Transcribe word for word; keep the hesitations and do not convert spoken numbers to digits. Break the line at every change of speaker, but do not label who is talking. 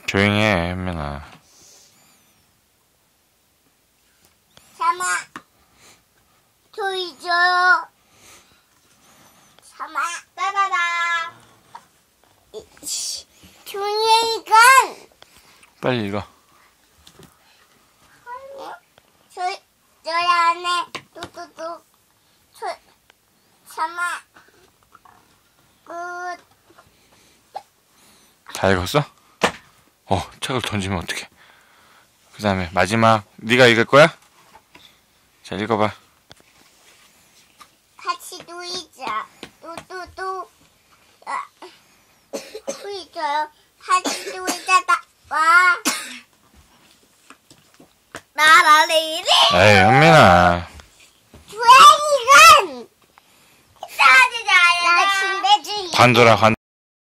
조용히 해, 현민아.
삼아, 조이 줘요. 삼아, 따다다. 조이가
빨리 읽어.
조이, 조이 안에 뚜뚜뚜. 조, 삼아, 끝.
다 읽었어? 어, 책을 던지면 어떡해. 그 다음에 마지막 네가 읽을 거야? 자, 읽어봐.
같이 놀자. 뚜뚜뚜. 아, 놀자요. 같이 놀자. 나, 와. 나라리리.
에이, 현민아.
주행이건. 싸지자. 나 침대 주의.
관둬라, 관